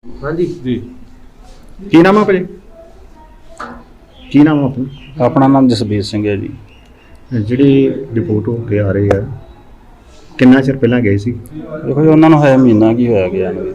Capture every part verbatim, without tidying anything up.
हाँ जी ਜੀ ਕੀ ਨਾਮ ਆ ਭਾਜੀ ਕੀ ਨਾਮ ਆ ਆਪਣਾ ਆਪਣਾ ਨਾਮ ਜਸਬੀਰ ਸਿੰਘ ਹੈ ਜੀ। ਜਿਹੜੀ ਰਿਪੋਰਟ ਹੋ ਕੇ ਆ ਰਹੀ ਹੈ ਕਿੰਨਾ ਚਿਰ ਪਹਿਲਾਂ ਗਏ ਸੀ? ਦੇਖੋ ਜੀ ਉਹਨਾਂ ਨੂੰ ਹੈ ਮਹੀਨਾ ਕੀ ਹੋਇਆ ਗਿਆ ਨੂੰ।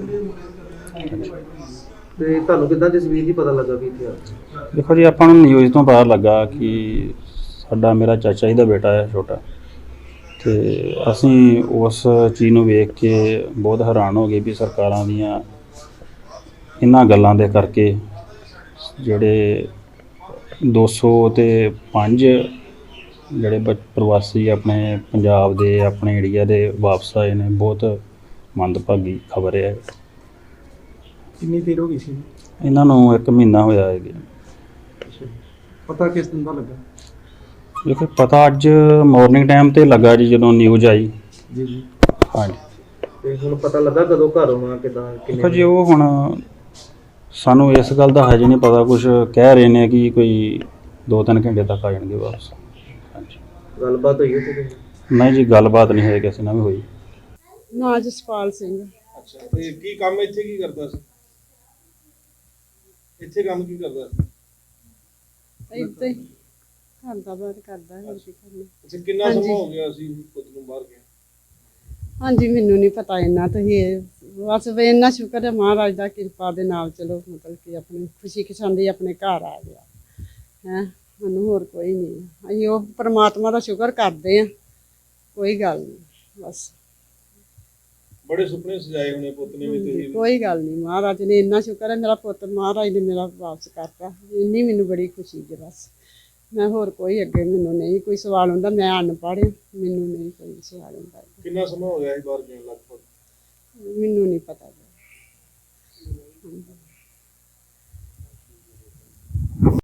ਤੇ ਤੁਹਾਨੂੰ ਕਿੱਦਾਂ ਜਸਵੀਰ ਜੀ ਪਤਾ ਲੱਗਾ ਵੀ ਇੱਥੇ ਆ? ਦੇਖੋ ਜੀ ਆਪਾਂ ਨੂੰ ਨਿਊਜ਼ ਤੋਂ ਪਤਾ ਲੱਗਾ ਕਿ ਸਾਡਾ ਮੇਰਾ ਚਾਚਾ ਜੀ ਦਾ ਬੇਟਾ ਹੈ ਛੋਟਾ, ਤੇ ਅਸੀਂ ਉਸ ਚੀਜ਼ ਨੂੰ ਵੇਖ ਕੇ ਬਹੁਤ ਹੈਰਾਨ ਹੋ ਗਏ ਵੀ ਸਰਕਾਰਾਂ ਦੀਆਂ ਇਹਨਾਂ ਗੱਲਾਂ ਦੇ ਕਰਕੇ ਜਿਹੜੇ ਦੋ ਸੌ ਤੇ ਪੰਜ ਜਿਹੜੇ ਬ ਪ੍ਰਵਾਸੀ ਆਪਣੇ ਪੰਜਾਬ ਦੇ ਆਪਣੇ ਏਰੀਆ ਦੇ ਵਾਪਸ ਆਏ ਨੇ, ਬਹੁਤ ਮੰਦਭਾਗੀ ਖਬਰ ਹੈ। ਕਿੰਨੀ ਦੇਰ ਹੋ ਗਈ ਸੀ? ਇਹਨਾਂ ਨੂੰ ਇੱਕ ਮਹੀਨਾ ਹੋਇਆ ਹੈ। ਪਤਾ ਕਿਸ ਦਿਨ ਦਾ ਲੱਗਾ? ਦੇਖੋ ਪਤਾ ਅੱਜ ਮਾਰਨਿੰਗ ਟਾਈਮ ਤੇ ਲੱਗਾ ਜੀ, ਜਦੋਂ ਨਿਊਜ਼ ਆਈ। ਜੀ ਜੀ ਹਾਂਜੀ। ਤੇ ਹੁਣ ਪਤਾ ਲੱਗਾ ਕਦੋਂ ਘਰ ਆਉਣਾ, ਕਿੱਦਾਂ ਦੇਖੋ ਜੀ ਉਹ ਹੁਣ ਸਾਨੂੰ ਇਸ ਗੱਲ ਦਾ ਹਜੇ ਨਹੀਂ ਪਤਾ, ਕੁਝ ਕਹਿ ਰਹੇ ਨੇ ਕਿ ਕੋਈ ਦੋ ਤਿੰਨ ਘੰਟੇ ਤੱਕ ਆ ਜਾਣਗੇ ਵਾਪਸ। ਹਾਂਜੀ। ਗੱਲਬਾਤ ਹੋਈ ਉੱਥੇ ਕੋਈ? ਨਹੀਂ ਜੀ ਗੱਲਬਾਤ ਨਹੀਂ ਹੋਈ ਕਿਸੇ ਨਾਲ ਵੀ ਹੋਈ। ਨਾ ਜਸਪਾਲ ਸਿੰਘ। ਅੱਛਾ, ਤੇ ਕੀ ਕੰਮ ਇੱਥੇ ਕੀ ਕਰਦਾ ਸੀ? ਇੱਥੇ ਕੰਮ ਕੀ ਕਰਦਾ ਸੀ? ਇੱਥੇ ਘਰ ਦਾ ਬਾਹਰ ਕਰਦਾ ਹੋਰ ਕੀ ਕਰਨਾ। ਅੱਛਾ, ਕਿੰਨਾ ਹਾਂਜੀ। ਸਮਾਂ ਹੋ ਗਿਆ ਸੀ ਪੁੱਤ ਨੂੰ ਬਾਹਰ ਗਿਆ? ਹਾਂਜੀ ਮੈਨੂੰ ਨਹੀਂ ਪਤਾ ਇੰਨਾ, ਤੁਸੀਂ ਇਹ ਬਸ ਵੀ ਇੰਨਾ ਸ਼ੁਕਰ ਹੈ ਮਹਾਰਾਜ ਦਾ ਕਿਰਪਾ ਦੇ ਨਾਲ, ਚਲੋ ਮਤਲਬ ਕਿ ਆਪਣੀ ਖੁਸ਼ੀ ਖਸ਼ਾਂਦੀ ਆਪਣੇ ਘਰ ਆ ਗਿਆ ਹੈ। ਸਾਨੂੰ ਹੋਰ ਕੋਈ ਨਹੀਂ, ਅਸੀਂ ਉਹ ਪਰਮਾਤਮਾ ਦਾ ਸ਼ੁਕਰ ਕਰਦੇ ਹਾਂ, ਕੋਈ ਗੱਲ ਨਹੀਂ ਬਸ। ਬੜੇ ਸੁਪਨੇ ਸਜਾਏ ਹੋਣੇ ਪੁੱਤ ਨੇ ਵੀ ਤੁਸੀਂ। ਕੋਈ ਗੱਲ ਨਹੀਂ, ਮਹਾਰਾਜ ਨੇ ਇੰਨਾ ਸ਼ੁਕਰ ਹੈ ਮੇਰਾ ਪੁੱਤ ਮਹਾਰਾਜ ਨੇ ਮੇਰਾ ਵਾਪਸ ਕਰਤਾ, ਇੰਨੀ ਮੈਨੂੰ ਬੜੀ ਖੁਸ਼ੀ ਹੈ ਬਸ। ਮੈਂ ਹੋਰ ਕੋਈ ਅੱਗੇ ਮੈਨੂੰ ਨਹੀਂ ਕੋਈ ਸਵਾਲ ਹੁੰਦਾ, ਮੈਂ ਅਨਪੜ੍ਹ ਹਾਂ, ਮੈਨੂੰ ਨਹੀਂ ਕੋਈ ਸਵਾਲ ਹੁੰਦਾ। ਕਿੰਨਾ ਸਮਾਂ ਹੋ ਗਿਆ ਸੀ ਬਾਹਰ ਗਿਆ ਲਗਭਗ? ਮੈਨੂੰ ਨਹੀਂ ਪਤਾ।